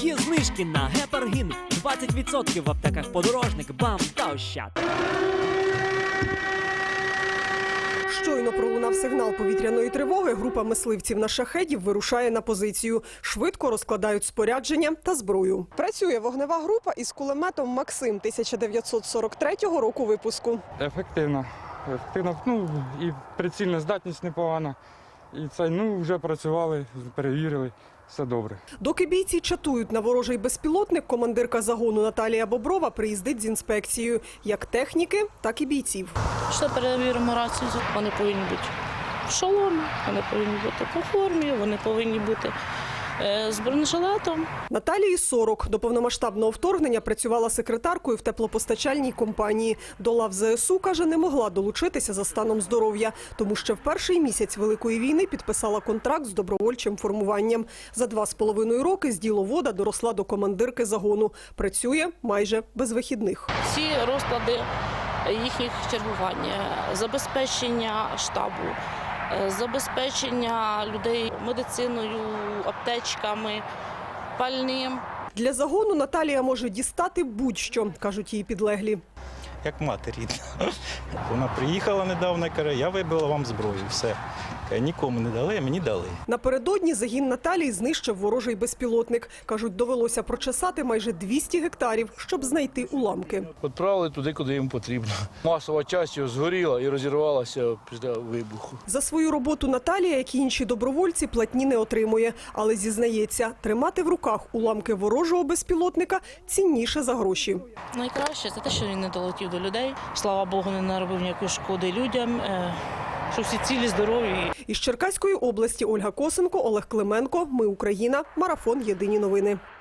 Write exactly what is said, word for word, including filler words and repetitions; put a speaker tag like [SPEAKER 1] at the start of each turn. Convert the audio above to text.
[SPEAKER 1] Є знижки на гепаргін. двадцять відсотків в аптеках Подорожник, БАМ та Ощад.
[SPEAKER 2] Щойно пролунав сигнал повітряної тривоги, група мисливців на шахедів вирушає на позицію. Швидко розкладають спорядження та зброю. Працює вогнева група із кулеметом «Максим» тисяча дев'ятсот сорок третього року випуску.
[SPEAKER 3] Ефективно. Ефективно. Ну, і прицільна здатність непогана. І це, ну, вже працювали, перевірили. Все добре.
[SPEAKER 2] Доки бійці чатують на ворожий безпілотник, командирка загону Наталія Боброва приїздить з інспекцією. Як техніки, так і бійців.
[SPEAKER 4] Що перевіримо рацію? Вони повинні бути в шоломі, вони повинні бути по формі, вони повинні бути з бронежилетом.
[SPEAKER 2] Наталії сорок. До повномасштабного вторгнення працювала секретаркою в теплопостачальній компанії. До лав ЗСУ, каже, не могла долучитися за станом здоров'я, тому що в перший місяць Великої війни підписала контракт з добровольчим формуванням. За два з половиною роки з діловода доросла до командирки загону. Працює майже без вихідних.
[SPEAKER 4] Всі розклади їхніх чергувань, забезпечення штабу, забезпечення людей медициною, аптечками, пальним.
[SPEAKER 2] Для загону Наталія може дістати будь-що, кажуть її підлеглі.
[SPEAKER 5] Як мати рідна. Вона приїхала недавно і каже, я вибила вам зброю, все. Нікому не дали, а мені дали.
[SPEAKER 2] Напередодні загін Наталії знищив ворожий безпілотник. Кажуть, довелося прочесати майже двісті гектарів, щоб знайти уламки.
[SPEAKER 6] Відправили туди, куди їм потрібно. Масова частина згоріла і розірвалася після вибуху.
[SPEAKER 2] За свою роботу Наталія, як і інші добровольці, платні не отримує. Але зізнається, тримати в руках уламки ворожого безпілотника цінніше за гроші.
[SPEAKER 4] Найкраще – це те, що він не долетів до людей. Слава Богу, не наробив ніякої шкоди людям. Що всі цілі, здорові.
[SPEAKER 2] Із Черкаської області Ольга Косенко, Олег Клименко. Ми Україна. Марафон. Єдині новини.